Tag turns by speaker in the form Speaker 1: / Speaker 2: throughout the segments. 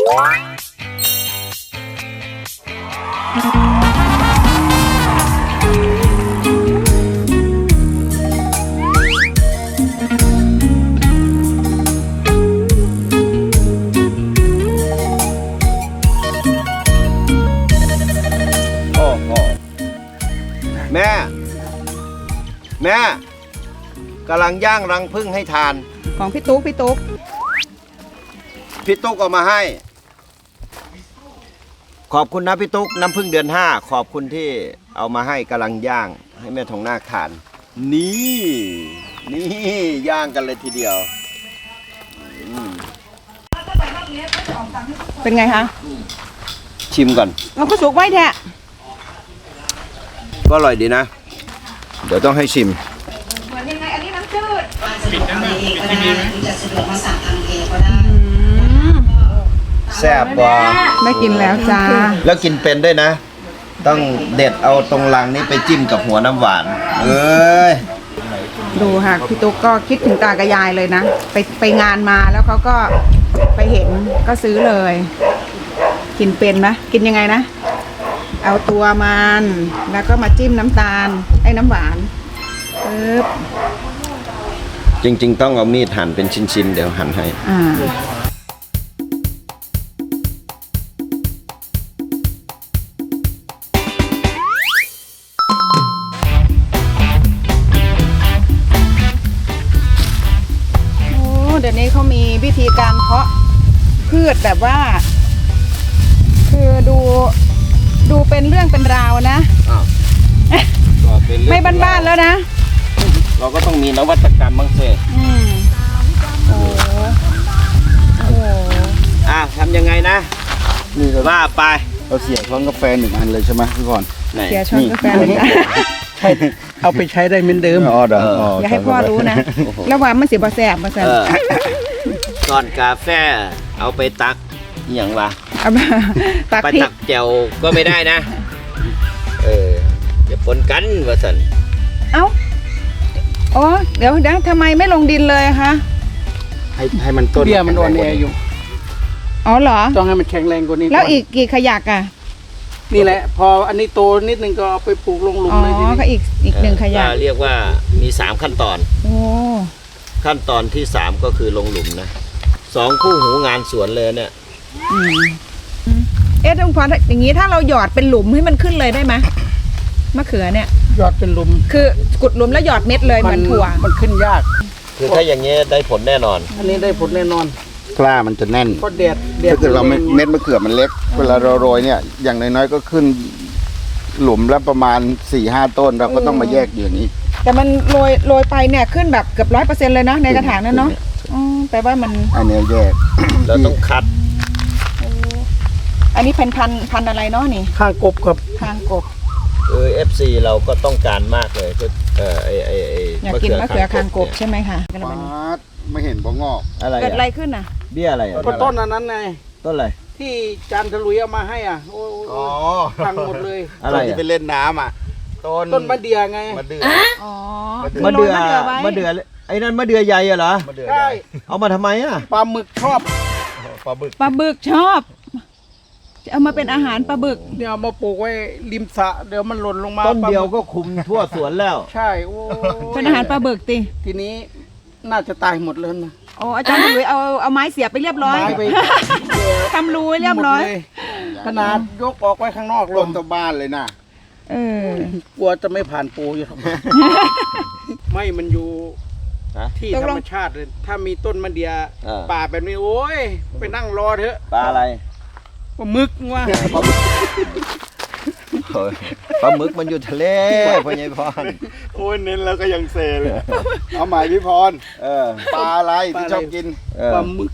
Speaker 1: แม่กำลังย่างรังผึ้งให้ทาน
Speaker 2: ของพี่ตุ๊ก
Speaker 1: พี่ตุ๊กเอามาให้ขอบคุณนะพี่ตุ๊กน้ำผึ้งเดือน5ขอบคุณที่เอามาให้กำลังย่างให้แม่ทองนาคทานนี่ย่างกันเลยทีเดียว
Speaker 2: เป็นไงคะ
Speaker 1: ชิมก่อน
Speaker 2: เราก็สุกไว้แท้
Speaker 1: ก็อร่อยดีนะเดี๋ยวต้องให้ชิม
Speaker 2: เหมือนยังไงอันนี้น้ำจืด
Speaker 3: สะดวกทำเองก็ได้หรือจะสะดวกมาสั่งทางเพจก็ได้
Speaker 1: แซ่บกว่า
Speaker 2: ได้กินแล้วจ้า
Speaker 1: แล้วกินเป็นด้วยนะต้องเด็ดเอาตรงรังนี้ไปจิ้มกับหัวน้ำหวาน
Speaker 2: ดูค่ะพี่ตุ๊กก็คิดถึงตากับยายเลยนะไปงานมาแล้วเขาก็ไปเห็นก็ซื้อเลยกินเป็นนะกินยังไงนะเอาตัวมันแล้วก็มาจิ้มน้ำตาลไอ้น้ำหวาน
Speaker 1: จริงๆต้องเอามีดหั่นเป็นชิ้นๆเดี๋ยวหั่นให้
Speaker 2: เดี๋ยวนี้เขามีวิธีการเพาะพืชแบบว่าคือดูเป็นเรื่องเป็นราวนะไม่บ้านๆแล้วนะ
Speaker 1: เราก็ต้องมีนวัตกรรมบ้างสิ
Speaker 2: โอ้
Speaker 1: ทำยังไงนะ
Speaker 4: นี่เรา
Speaker 1: ว่าไป
Speaker 4: เราเสียช้อนกาแฟ1 อันเลยใช่ไหมพี่พร
Speaker 2: เสียช้อนกาแฟเลยนะ
Speaker 4: เอาไปใช้ได้เหมือนเดิม
Speaker 2: อย่าให้พ่อรู้นะแล้วว่ามันเสียบะแสบมาสั่น
Speaker 1: ก่อนกาแฟเอาไปตักอย่างวะ
Speaker 2: ตัก
Speaker 1: ไปตักแจวก็ไม่ได้นะอย่าปนกันวะสัน
Speaker 2: อ๋อเดี๋ยวทำไมไม่ลงดินเลยคะ
Speaker 4: ให้มันต้น
Speaker 2: เบี้ย
Speaker 4: มันอ่อนแออยู่
Speaker 2: อ๋อเหรอ
Speaker 4: ต้องให้มันแข็งแรงกว่านี้
Speaker 2: แล้วอีกกี่ขยักอ่ะ
Speaker 4: นี่แหละพออันนี้โตนิดนึงก็เอาไปปลูกลงหลุมเลย
Speaker 2: อ๋อก็อีก1 ขยัก
Speaker 1: เรียกว่ามี3ขั้นตอนขั้นตอนที่3ก็คือลงหลุมนะ2คู่หูงานสวนเลยเนี่ย
Speaker 2: ตรงพออย่างนี้ถ้าเราหยอดเป็นหลุมให้มันขึ้นเลยได้ไหมมะเขือเนี่ย
Speaker 4: หยอดเป็นหลุม
Speaker 2: คือกุดหลุมแล้วหยอดเม็ดเลยมันถั่ว
Speaker 4: มันขึ้นยาก
Speaker 1: คือถ้าอย่างเงี้ยได้ผลแน่นอน
Speaker 4: อันนี้ได้ผลแน่นอน
Speaker 5: กล้ามันจะแน่น
Speaker 4: ก็แดด
Speaker 5: ถ้าเกิดเราเม็ดมะเขือมันเล็กเวลาเราโรยเนี่ยอย่างน้อยๆก็ขึ้นหลุมละประมาณ 4-5 ต้นเราก็ต้องมาแยกอย่างนี้
Speaker 2: แต่มันโรยไปเนี่ยขึ้นแบบเกือบ100%เลยนะในกระถางนั้นเนาะแปลว่ามัน
Speaker 5: อันนี้แยก
Speaker 1: เราต้องคัด
Speaker 2: อันนี้เป็นพันอะไรเนาะนี่
Speaker 4: ข้างกบครับ
Speaker 2: ข้างกบ
Speaker 1: FC เราก็ต้องการมากเลย
Speaker 2: อยากกินมะเขือข้างกบใช่ไหมคะ
Speaker 5: ไม่เห็นบ่งอก
Speaker 1: อะไร
Speaker 2: เกิดอะไรขึ้นอ่ะ
Speaker 1: เบี้ยอะไร
Speaker 4: ก็ต้นนั้นไง
Speaker 1: ต้นอะไร
Speaker 4: ที่จานทะลุยเอามาให้อ่ะพังหมดเลย
Speaker 1: อะไร
Speaker 5: ที่ไปเล่นน้ำอ่ะ
Speaker 4: ต้นมะเดื่อไง
Speaker 5: มะเดื่อ
Speaker 1: มะเดื่อไอ้นั่นมะเดื่อใหญ่เหรอ
Speaker 4: ใช่
Speaker 1: เอามาทำไมอ่ะ
Speaker 4: ปลาหมึกชอบ
Speaker 2: ปลาบึกชอบเอามาเป็นอาหารปลาบึก
Speaker 4: เดี๋ยวเอามาปลูกไว้ริมสระเดี๋ยวมันหล่นลงมา
Speaker 1: ต้นเดียวก็คุมทั่วสวนแล้ว
Speaker 4: ใช่โอ้
Speaker 2: เป็นอาหารปลาบึก
Speaker 4: ทีนี้น่าจะตายหมดเลยนะ
Speaker 2: อาจารย์หลุยเอาไม้เสียบไปเรียบร้อยทำรูเรียบร้อย
Speaker 4: ขนาดยกออกไว้ข้างนอก
Speaker 5: ต้นตัวบ้านเลยนะ
Speaker 4: กลัวจะไม่ผ่านปูอยู่ไม่มันอยู่ที่ธรรมชาติเลยถ้ามีต้นมะเดื่อป่าแบบนี้โอ้ยไปนั่งรอเถอะ
Speaker 1: ปลาอะไร
Speaker 4: ปลาหมึกว่า
Speaker 1: ปลาหมึกมันอยู่ทะเลพ่อใหญ่พร
Speaker 5: โอ้ยเน้นแล้วก็ยังเซเลยเอาหมายพี่พรปลาอะไรที่ชอบกิน
Speaker 4: ปลาหมึก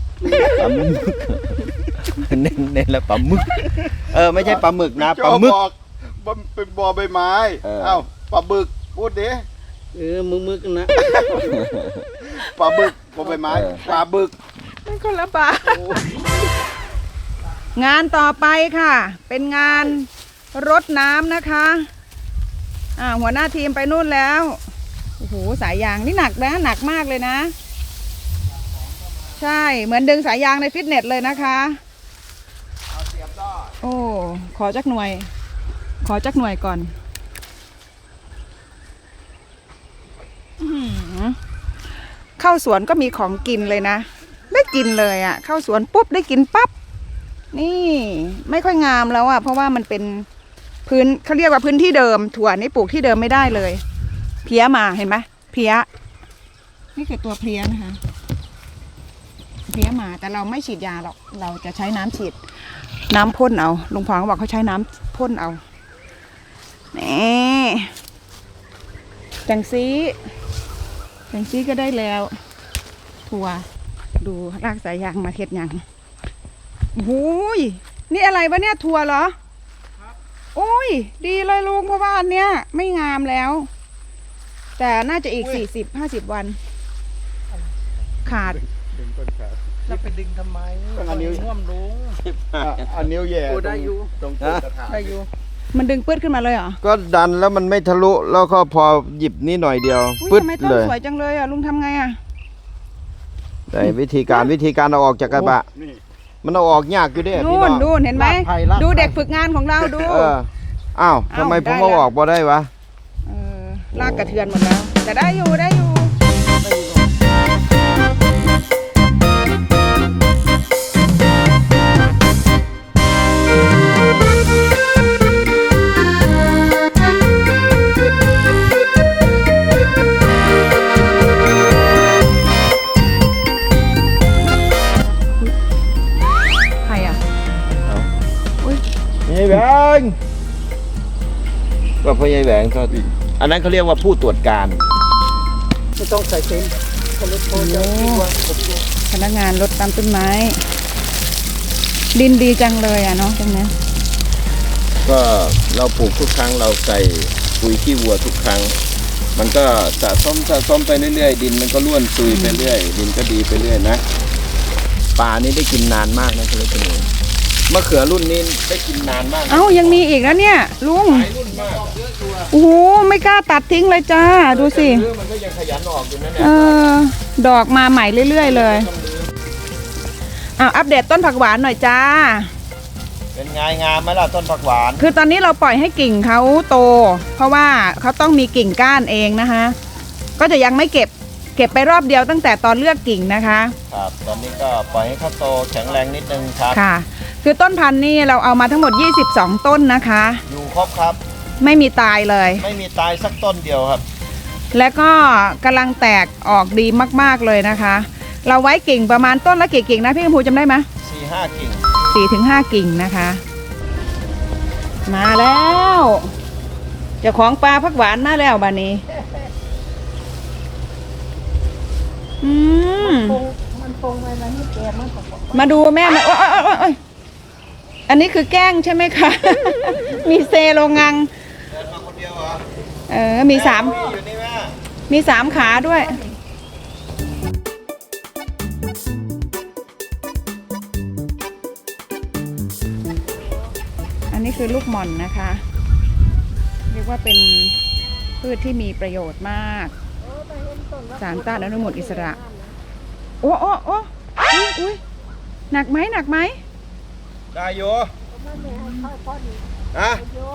Speaker 1: เน้นแล้วปลาหมึกไม่ใช่ปลาหมึกนะปลาหมึก
Speaker 5: เป็นบอใบไม้เอ้าปลาบึกพูดดิ
Speaker 4: มึกนะ
Speaker 5: ปลาบึกบอใบไม้ปลาบึก
Speaker 2: นั่นคนละปลางานต่อไปค่ะเป็นงานรดน้ำนะคะหัวหน้าทีมไปนู่นแล้วโอ้โหสายยางนี่หนักนะหนักมากเลยนะใช่เหมือนดึงสายยางในฟิตเนสเลยนะคะโอ้ ขอจักหน่วย ขอจักหน่วยก่อนอื้อหือเข้าสวนก็มีของกินเลยนะ ได้กินเลยอะ่ะ เข้าสวนปุ๊บได้กินปั๊บ นี่ไม่ค่อยงามแล้วอะ่ะ เพราะว่ามันเป็นพื้นเขาเรียกว่าพื้นที่เดิม ถั่วนี่ปลูกที่เดิมไม่ได้เลย เพี้ยมาเห็นไหมเพี้ย นี่คือตัวเพี้ยนะคะ เพี้ยมาแต่เราไม่ฉีดยาหรอก เราจะใช้น้ำฉีด น้ำพ่นเอา ลุงพรเขาบอกเขาใช้น้ำพ่นเอานี่จังซีก็ได้แล้ว ถั่วดูรากสายยางมาเทศยังโอ้ยนี่อะไรวะเนี่ยถั่วเหรอโอ้ยดีเลยลุงเพราะว่าอันเนี้ยไม่งามแล้ว แต่น่าจะอีก40-50 วัน ขาด
Speaker 4: แล้วไปดึงทำไม
Speaker 5: ต้องเอานิ้ว
Speaker 4: น่วมลุง
Speaker 5: อันนิ้วแย่
Speaker 4: โอ้ได้อยู่
Speaker 5: ตรงต้นกระถาง
Speaker 4: ได้อยู่
Speaker 2: มันดึงปื้ดขึ้นมาเลยเหรอ
Speaker 1: ก็ดันแล้วมันไม่ทะลุแล้วก็พอหยิบนี่หน่อยเดียว
Speaker 2: อุ๊ย
Speaker 1: ปึ๊ด
Speaker 2: ทำไมต้น
Speaker 1: เลย
Speaker 2: สวยจังเลยอ่ะลุงทำไงอ่ะ
Speaker 1: แต่วิธีการเอาออกจากกระบะ
Speaker 5: นี่
Speaker 1: มันเอาออกยากอยู่เด้พี่
Speaker 2: นู่
Speaker 1: น้
Speaker 2: น
Speaker 1: อง
Speaker 2: ดูเห็นไหม
Speaker 4: ลากไผ่ลากไผ่
Speaker 2: ดูเด็กฝึกงานของเราดู
Speaker 1: เอออ้าวทำไมผมเอาออกบ่ได้วะ
Speaker 2: เออลากกระเทือนหมดแล้ว แต่ได้อยู่ได้อยู่ ใครอ่ะ
Speaker 1: ยายแหวงว่าพ่อยายแหวงก็อันนั้นเขาเรียกว่าผู้ตรวจการ
Speaker 4: ไม่ต้องใส่เต็มคนรถโทรจะดีกว่าผมดู
Speaker 2: พนักงานรดตามต้นไม้ ดินดีจังเลยอ่ะเนาะตรงนี้
Speaker 1: ก็เราปลูกทุกครั้งเราใส่ปุ๋ยขี้วัวทุกครั้ง มันก็สะสมไปเรื่อยๆดินมันก็ร่วนซุยไปเรื่อยดินก็ดีไปเรื่อยนะป่านี้ได้กินนานมากนะคุณผู้ชมมะเขือรุ่นนี้ได้กินนานมากนะ
Speaker 2: เอ้ายังมีอีกนะเนี่ยลุง
Speaker 1: หลายรุ่นมาก
Speaker 2: โอ้โหไม่กล้าตัดทิ้งเลยจ้าดูสิ
Speaker 1: เรื่องมันก็ยังขยันออกอยู่นะเนี่
Speaker 2: เอย อดอกมาใหม่เรื่อยๆเลยอ้าวอัปเดตต้นผักหวานหน่อยจ้า
Speaker 1: เป็นไงงามไหมล่ะต้นผักหวาน
Speaker 2: คือตอนนี้เราปล่อยให้กิ่งเขาโต เพราะว่าเขาต้องมีกิ่งก้านเองนะคะ ก็จะยังไม่เก็บไปรอบเดียวตั้งแต่ตอนเลือกกิ่งนะคะ
Speaker 1: ครับตอนนี้ก็ปล่อยให้เขาโตแข็งแรงนิดนึงครับ
Speaker 2: ค่ะ คือต้นพันธุ์นี่เราเอามาทั้งหมด22ต้นนะคะ
Speaker 1: อยู่ครบครับ
Speaker 2: ไม่มีตายเลย
Speaker 1: ไม่มีตายสักต้นเดียวครับ
Speaker 2: และก็กำลังแตกออกดีมากๆเลยนะคะ เราไว้กิ่งประมาณต้นละกี่กิ่งนะพี่กำพูจำได้ไหม
Speaker 1: 4-5 กิ่ง
Speaker 2: 4-5 กิ่งนะคะ มาแล้วเจ้าของปลาผักหวานมาแล้วบ้านนี้มาดูแม่มาโอ๊ยอันนี้คือแกล้งใช่ไหมคะ มีเซโลงัง
Speaker 1: เดินมาคนเดียวเหรอ
Speaker 2: มีสาม
Speaker 1: อยู่นี่แม่
Speaker 2: มี3 ขาด้วย อันนี้คือลูกหม่อนนะคะ เรียกว่าเป็นพืชที่มีประโยชน์มาก สารต้านอนุมูลอิสระ โอ้อุ๊ยหนักไหม
Speaker 1: ได้อยู่ฮะ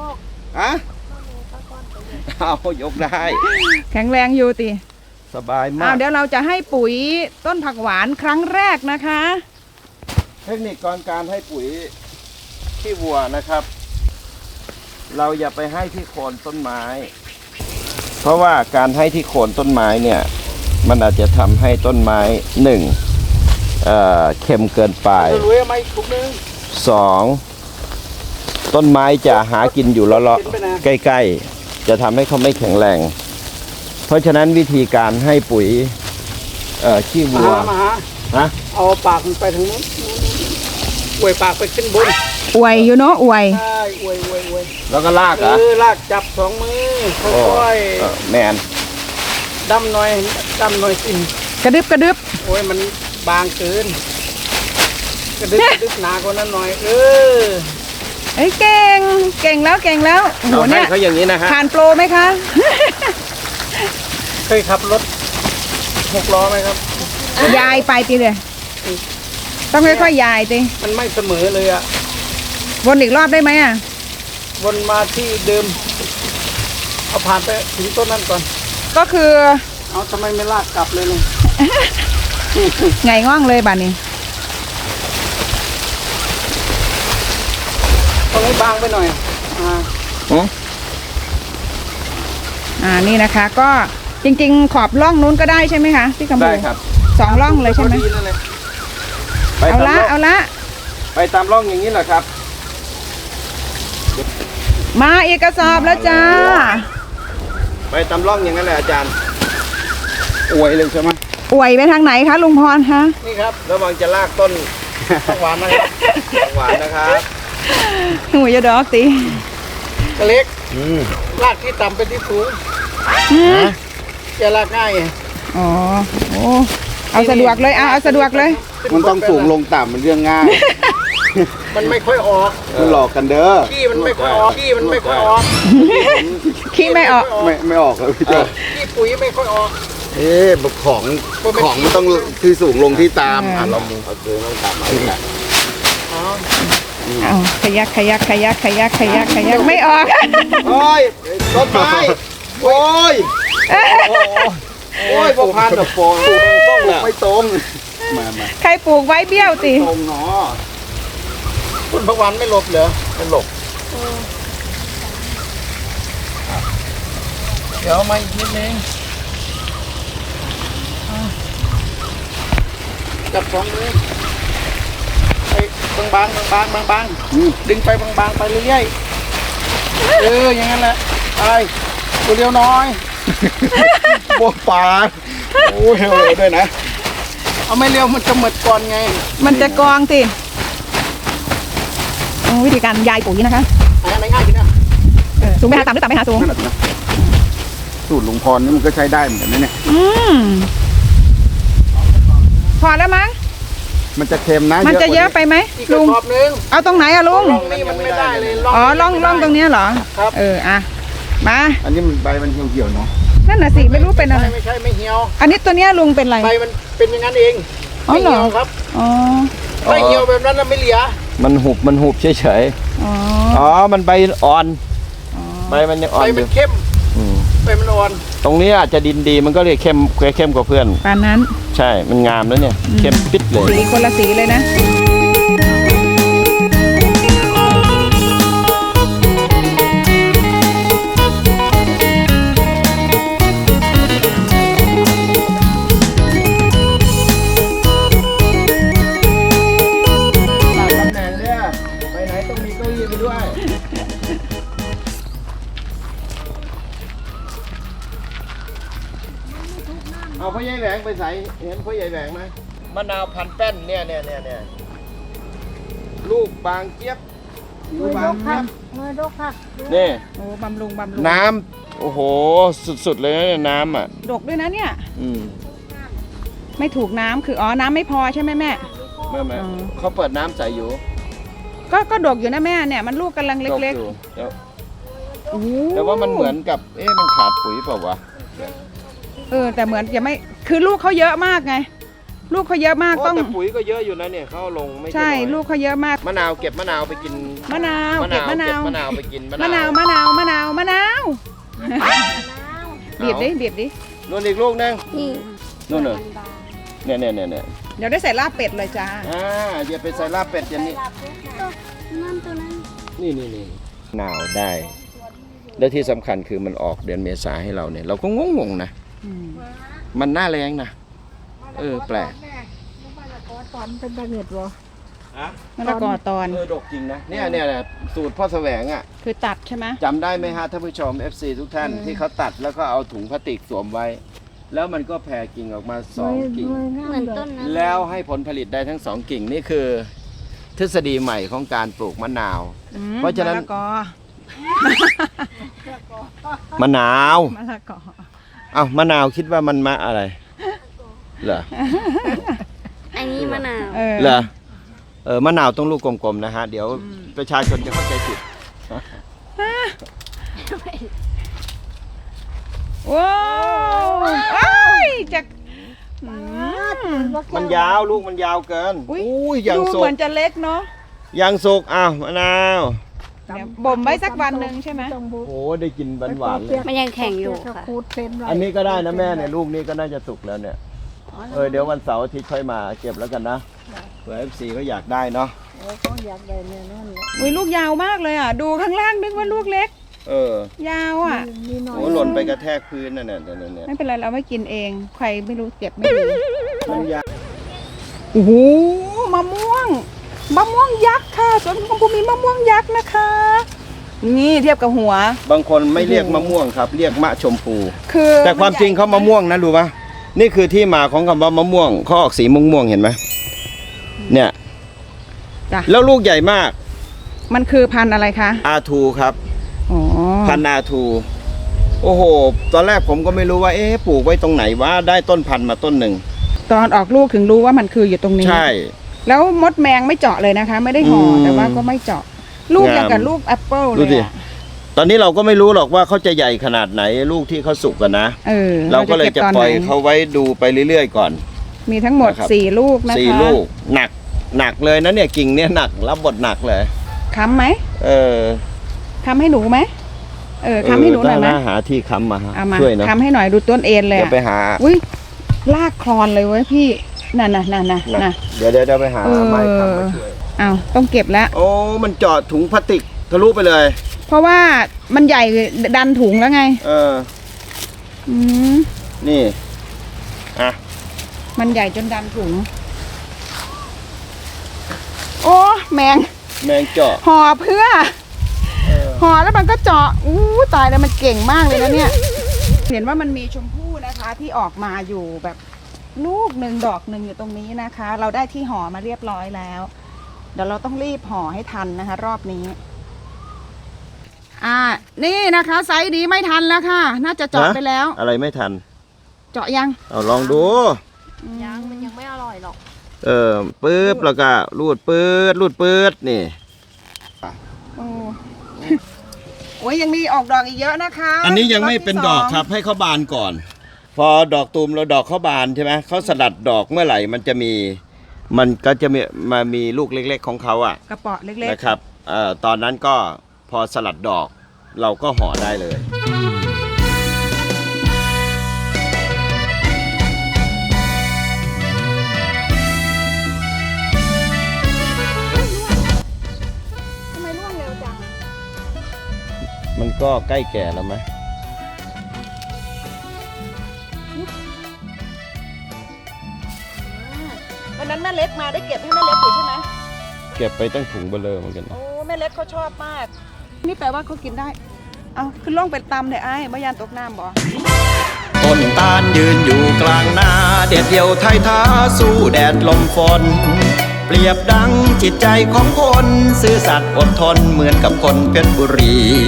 Speaker 1: เอายกได้
Speaker 2: แข็งแรงอยู่ติ
Speaker 1: สบายมา
Speaker 2: อ้าว
Speaker 1: ก
Speaker 2: เดี๋ยวเราจะให้ปุ๋ยต้นผักหวานครั้งแรกนะคะ
Speaker 1: เทคนิคการให้ปุ๋ยขี้วัวนะครับ เราอย่าไปให้ที่โคนต้นไม้ เพราะว่าการให้ที่โคนต้นไม้เนี่ยมันอาจจะทำให้ต้นไม้เค็มเกินไป
Speaker 4: จะรวยไหมถุงนึง
Speaker 1: 2ต้นไม้จะหากินอยู่เลาะๆใกล้ๆจะทำให้เขาไม่แข็งแรง เพราะฉะนั้นวิธีการให้ปุ๋ยขี้
Speaker 4: มา
Speaker 1: วัว
Speaker 4: หามาหา
Speaker 1: ฮะ
Speaker 4: เอาปากมันไปทางนู้นอวยปากไปขึ้นบน
Speaker 2: อวยอยู่เนาะอวย
Speaker 4: ใช่อวย
Speaker 1: แล้วก็ลากเหรอ
Speaker 4: ลากจับ2 มือ
Speaker 1: โอ้
Speaker 4: ค่อย
Speaker 1: แมน
Speaker 4: ๆดำหน่อยกิน
Speaker 2: กระดึบ
Speaker 4: โอ้ยมันบางเกินกระดึบหนากว่านั้นหน่อย
Speaker 2: เอ้ยเก่งแล้วโอ้โห
Speaker 1: เราให้
Speaker 2: เนี่ย
Speaker 1: เขาอย่างนี้นะฮะ
Speaker 2: ผ่านโปรไหมคะ
Speaker 4: เคยขับรถ6 ล้อไหมครับ
Speaker 2: ยายไปติเลยต้องค่อยๆยายติ
Speaker 4: มันไม่เสมอเลยอ่ะ
Speaker 2: วนอีกรอบได้ไหมอ่ะ
Speaker 4: วนมาที่เดิม เอาผ่านไปถึงต้นนั้นก่อน
Speaker 2: ก็คือ
Speaker 4: เอาทำไมไม่ลากกลับเลยลุง
Speaker 2: ไงง่องเลยบ้านนี้
Speaker 4: ต้องให้บางไปหน่อย
Speaker 2: นี่นะคะ ก็จริงๆขอบร่องนู้นก็ได้ใช่ไหมคะพี่กำพู
Speaker 1: ได้ครับ
Speaker 2: 2ร่องเลยใช่ไหม
Speaker 4: พอดีนั่นเลย
Speaker 1: ไป
Speaker 2: เอา
Speaker 1: ตาม
Speaker 2: ละ
Speaker 1: ร่อง
Speaker 2: เอาละ
Speaker 1: ไปตามร่องอย่างนี้แหละครับ
Speaker 2: มาอีกกระสอบแล้วจ้า
Speaker 1: ไปตามร่องอย่างนั้นแหละอาจารย์
Speaker 5: อวยเลยใช่ไหม
Speaker 2: อวยไปทางไหนคะลุงพรคะ
Speaker 4: นี่ครับ
Speaker 1: ระวังจะลากต้น
Speaker 4: ผักหวานนะครับ
Speaker 1: หวานนะครับ
Speaker 2: หูยาดอกตี
Speaker 4: กระเล็กลากที่ต่ำเป็นที่สูงจะลากง่าย
Speaker 2: อ๋อโอ้เอาสะดวกเลยเอาสะดวกเลย
Speaker 5: มันต้องสูงลงต่ำเป็นเรื่องง่าย
Speaker 4: มันไม่ค่อยออก
Speaker 5: มันหลอกกันเด้อ
Speaker 4: ขี้มันไม่ค่อยออกขี้มันไม่ค่อยออก
Speaker 2: ขี้ไม่ออก
Speaker 5: ไม่ออกเลยพี่โจ
Speaker 4: ขี้ปุ๋ยไม่ค่อยออก
Speaker 5: ของมันต้องที่สูงลงที่ตามลอง
Speaker 1: เอาเดินลงต่ำเอาอีกแล้ว
Speaker 2: เอาขยักไม่ออก
Speaker 5: โอ้ยต้นไม้โอ้ย
Speaker 1: โอ้ยพวกพานแบบโฟนต้องแหละ
Speaker 5: ไม่ตรงมา
Speaker 2: ใครปลูกไว้เบี้ยวติ
Speaker 5: ตรงเนาะ
Speaker 4: ต้นผักหวานไม่หลบเหรอ
Speaker 1: ไม่หลบ
Speaker 4: เดี๋ยวมาอีกนิดนึงจับสองมือไปบางดึงไปบางไปเรื่อยๆอย่างนั้นแหละไปตัวเดียวน้อย
Speaker 5: พวกปลาโอ้ยเร็วด้วยนะ
Speaker 4: เอาไม่เร็วมันจะหมดก่อนไง
Speaker 2: มันจะกองติวิธีการยายปุ๋ยนะคะ
Speaker 4: อะไรง่ายจริงนะ
Speaker 2: สูงไปหาต่ำหรือต่ำไปหาสูง
Speaker 5: สูตรลุงพรนี่มันก็ใช้ได้เหมือนกันนะเนี่ย
Speaker 2: พอแล้วมั้ง
Speaker 5: มันจะเค็มนะ
Speaker 2: มันจะเยอะไปไหม
Speaker 4: อีกกระ
Speaker 2: ลุง
Speaker 4: สอบนึง
Speaker 2: เอาตรงไหนอะลุง
Speaker 4: ร่องนี้มันไม่ได้เลย
Speaker 2: อ๋อร่องตรงเนี้ยเหรอ
Speaker 4: ครับ
Speaker 2: อ่ะมา
Speaker 5: อันนี้มันใบมันเหี่ยวๆเนาะ
Speaker 2: นั่นน่ะสิไม่รู้เป็นอะไร
Speaker 4: ไม่ใช่ไม่เหี่ยว
Speaker 2: อันนี้ตัวเนี้ยลุงเป็นอะไร
Speaker 4: ใบมันเป็นอย่างนั้นเอง
Speaker 2: อ๋อ
Speaker 4: ไม่
Speaker 2: เหรอ
Speaker 4: เหี่ยวครับ
Speaker 2: อ๋อ
Speaker 4: ไม่เหี่ยวแบบนั้นน่ะไม่เหลือ
Speaker 1: มันหุบเฉย
Speaker 2: อ๋อ
Speaker 1: ๆอ๋อมันใบอ่อนใบมันยังอ่อ
Speaker 4: ใบ
Speaker 1: นอ
Speaker 4: มัน
Speaker 1: ยู่
Speaker 4: เข้มใบมันอ่อน
Speaker 1: ตรงนี้อาจจะดินดีมันก็เลยเข้มกว่าเพื่อน
Speaker 2: ปานนั้น
Speaker 1: ใช่มันงามแล้วเนี่ยเข้มปิดเลย
Speaker 2: สีคนละสีเลยนะ
Speaker 1: ตำแหน่งเนี่ยไปไหนต้องมีเก้าอี้ไปด้วยเอาพ่อใหญ่แหวงไปใส่เห็นพ่อใหญ่แหวงไหมมะนาวพันแป้นเนี่ยลูกบางเจี๊ยบผิวบางเจี๊ยบนี่
Speaker 2: โอ้บำรุง
Speaker 1: น้ำโอ้โหสุดๆเลยนะเนี่ยน้ำอ่ะ
Speaker 2: ดกด้วยนะเนี่ย
Speaker 1: อืม
Speaker 2: ไม่ถูกน้ำคือน้ำไม่พอใช่ไหมแม่
Speaker 1: ไม่
Speaker 2: อ๋อ
Speaker 1: เขาเปิดน้ำใส่อยู่
Speaker 2: ก็ดกอยู่นะแม่เนี่ยมันลูกกำลังเล็ก
Speaker 1: ตอยู่แต่
Speaker 2: ๆโอ้
Speaker 1: แต่ว่ามันเหมือนกับมันขาดปุ๋ยเปล่าวะ
Speaker 2: แต่เหมือนจะไม่คือลูกเขาเยอะมากไง ลูกเขาเยอะมากต้อง
Speaker 1: แต่ปุ๋ยก็เยอะอยู่นะเนี่ยเขาลงไม่
Speaker 2: ใช่
Speaker 1: น้อย
Speaker 2: ลูกเขาเยอะมาก
Speaker 1: มะนาวเก็บมะนาวไปกิน
Speaker 2: มะนาวเก็บมะนาว
Speaker 1: มะนาวไปกิน
Speaker 2: มะนาวบีบดิ
Speaker 1: นู่นอีกลูกนึงนู่นน่ะเนี่ย
Speaker 2: เดี๋ยวได้ใส่ลาบเป็ดเลยจ้า
Speaker 1: อย่าไปใส่ลาบเป็ดอย่างนี้นี่หนาวได้ และที่สำคัญคือมันออกเดือนเมษาให้เราเนี่ย เราก็งงๆนะ มันหน้าแรงนะแปลก
Speaker 2: มะละกอตอน
Speaker 1: ดกจริงนะเนี่ยสูตรพ่อแสวงอ่ะ
Speaker 2: คือตัดใช่ไหม
Speaker 1: จำได้ไหมฮะท่านผู้ชม FC ทุกท่านที่เขาตัดแล้วก็เอาถุงพลาสติกสวมไว้ แล้วมันก็แผ่กิ่งออกมา2กิ่ง
Speaker 3: เหมือนต้นนั้น
Speaker 1: แล้วให้ผลผลิตได้ทั้ง2กิ่งนี่คือ ทฤษฎีใหม่ของการปลูกมะนาว เพราะฉะนั้น
Speaker 2: มะละกอ
Speaker 1: มะนาว
Speaker 2: มะละกอ
Speaker 1: มะนาวคิดว่ามันมะอะไรเหรอ
Speaker 3: อันนี้มะนาว
Speaker 1: เหรอมะนาวต้องลูกกลมๆนะฮะเดี๋ยวประชาชนจะเข้าใจผิด
Speaker 2: ว้าวจาก
Speaker 1: มันยาวลูกมันยาวเกิน
Speaker 2: อุ้ย
Speaker 1: อย่าง
Speaker 2: ดู
Speaker 1: ส
Speaker 2: เหมื
Speaker 1: ด
Speaker 2: อนจะเล็กเนาะ
Speaker 1: ยังสุกอ้าวมะนาว
Speaker 2: เดี๋ยวบ่มไว้สักวันหนึ่งใช่ไหม
Speaker 1: โอ้ได้กินหวานๆเลย
Speaker 6: มันยังแข็งอยู่ค่ะ
Speaker 1: อันนี้ก็ได้นะแม่เนี่ยลูกนี้ก็น่าจะสุกแล้วเนี่ยเดี๋ยววันเสาร์อาทิตย์ค่อยมาเก็บแล้วกันนะเผื่อ FC เขาอยากได้เนาะ
Speaker 2: อุ้ยลูกยาวมากเลยอ่ะดูข้างล่างนึกว่าลูกเล็กยาวอ่ะ
Speaker 1: โอ้หล่นไปกระแทกพื้นนั่นน่ะเนี่ย
Speaker 2: ไม่เป็นไรเราไม่กินเองใครไม่รู้เก็บไม่ดี
Speaker 1: มันยาก
Speaker 2: โอ้โหมะม่วงยักษ์ค่ะสวนของภูมิมะม่วงยักษ์นะคะ นี่เทียบกับหัว
Speaker 1: บางคนไม่เรียกมะม่วงครับ เรียกมะชมพู
Speaker 2: คือ
Speaker 1: แต่ความจริงเขามะม่วงนะรู้ปะนี่คือที่มาของคำว่ามะม่วงเขาออกสีม่วงๆเห็นไหมเนี่ย
Speaker 2: จ้ะ
Speaker 1: แล้วลูกใหญ่มาก
Speaker 2: มันคือพันธุ์อะไรคะ
Speaker 1: อาทูครับ
Speaker 2: อ๋อ
Speaker 1: พันธุ์อาทูโอ้โหตอนแรกผมก็ไม่รู้ว่าปลูกไว้ตรงไหนว่าได้ต้นพันธุ์มาต้นหนึ่ง
Speaker 2: ตอนออกลูกถึงรู้ว่ามันคืออยู่ตรงนี้
Speaker 1: ใช่
Speaker 2: แล้วมดแมงไม่เจาะเลยนะคะ ไม่ได้ห่อแต่ว่าก็ไม่เจาะลูกอย่างกับลูกแอปเปิลเล
Speaker 1: ดู
Speaker 2: ย
Speaker 1: ดิ
Speaker 2: อะ
Speaker 1: ตอนนี้เราก็ไม่รู้หรอกว่าเขาจะใหญ่ขนาดไหนลูกที่เขาสุกกันนะ เราก็เลยจะปล่อยเขาไว้ดูไปเรื่อยๆก่อน
Speaker 2: มีทั้งหมด
Speaker 1: นะครับ
Speaker 2: 4 ลูกนะคะ
Speaker 1: 4 ลูกหนักเลยนะเนี่ยกิ่งเนี่ยหนักรับบทหนักเลย
Speaker 2: ค้ำไหม ค้ำให้หนูไหมค้ำให้หนูหน่อยไหม
Speaker 1: หาที่ค้ำมา
Speaker 2: เอามา
Speaker 1: ช่วยนะ
Speaker 2: ค้ำให้หน่อยดูต้นเอ็นเลย
Speaker 1: เดี๋ยว
Speaker 2: อะ
Speaker 1: ไปหา
Speaker 2: อุ้ยลากคลอนเลยเว้ยพี่น่ะ
Speaker 1: เดี๋ยวไปหาไม้ค้ำมาช่วย
Speaker 2: อ้าวต้องเก็บแล้ว
Speaker 1: โอ้มันเจาะถุงพลาสติกทะลุไปเลย
Speaker 2: เพราะว่ามันใหญ่ดันถุงแล้วไง อืม
Speaker 1: นี่อ่ะ
Speaker 2: มันใหญ่จนดันถุง โอ้แมง
Speaker 1: แมงเจาะ
Speaker 2: ห่อเพื่อห่อแล้วมันก็เจาะตายแล้วมันเก่งมากเลยนะเนี่ย เห็นว่ามันมีชมพู่นะคะที่ออกมาอยู่แบบลูกหนึ่งดอกหนึ่งอยู่ตรงนี้นะคะ เราได้ที่ห่อมาเรียบร้อยแล้ว เดี๋ยวเราต้องรีบห่อให้ทันนะคะ รอบนี้ นี่นะคะไซส์นี้ไม่ทันแล้วค่ะ น่าจะเจาะไปแล้ว
Speaker 1: อะไรไม่ทัน
Speaker 2: เจาะยัง
Speaker 1: เอาลองดู
Speaker 6: มันยังไม่อร่อยหรอก
Speaker 1: ปึ๊บแล้วก็รูดปื๊ดนี่
Speaker 2: โอ้ยยังมีออกดอกอีกเยอะนะคะ
Speaker 1: อันนี้ยังไม่เป็นดอกครับให้เขาบานก่อน พอดอกตูมแล้วดอกเขาบานใช่ไหมเขาสลัดดอกเมื่อไหร่มันก็จะมีลูกเล็กๆของเขาอ่ะ
Speaker 2: กระเปาะเล็กๆ
Speaker 1: นะครับตอนนั้นก็พอสลัดดอกเราก็ห่อได้เลย
Speaker 2: ทำไมร่วงเร็วจัง
Speaker 1: มันก็ใกล้แก่แล้วไหม
Speaker 2: วันนั้นแม่เล็กมาได้เก็บให้แม่เล็กอยู่ใช่ไหม
Speaker 1: เก็บไปตั้งถุงเบลอเหมือนกันนะ
Speaker 2: โอ้แม่เล็กเขาชอบมาก นี่แปลว่าเขากินได้ เอาขึ้นล่องเป็นตำเลยไอ้บ่ยานตกน้ำบ่
Speaker 7: ต้นตาลยืนอยู่กลางนาเด็ดเดี่ยวไทยท้าสู้แดดลมฝนเปรียบดังจิตใจของคนซื่อสัตย์อดทนเหมือนกับคนเพชรบุรี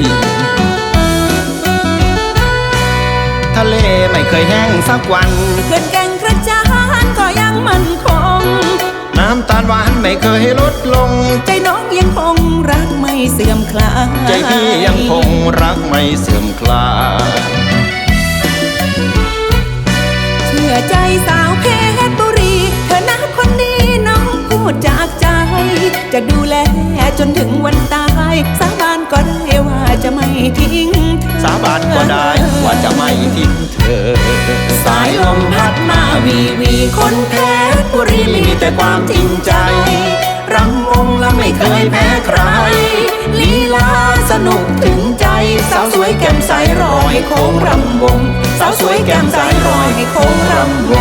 Speaker 7: ทะเลไม่เคยแห้งสักวัน
Speaker 8: เขื่อนแก่งกระจานก็ยังมั่นคง
Speaker 7: น้ำตาลหวานไม่เคยลดลง
Speaker 8: ใจน้องยังคงรักไม่เสื่อมคลาย
Speaker 7: ใจพี่ยังคงรักไม่เสื่อมคลาย
Speaker 8: เชื่อใจสาวเพชรบุรีเธอนะคนนี้น้องพูดจากใจ จะดูแลจนถึงวันตายสาบานก็ได้ว่าจะไม่ทิ้งเธอ
Speaker 7: สาบานก็ได้ว่าจะไม่ทิ้งเธอ
Speaker 8: สายลมพัดมาวีวีคนเพชรบุรีมีแต่ความจริงใจ รำวงและไม่เคยแพ้ใครลีลาสนุกถึงใจสาวสวยแก้มใสรอยโค้งรำวงสาวสวยแก้มใสรอยโค้งรำวง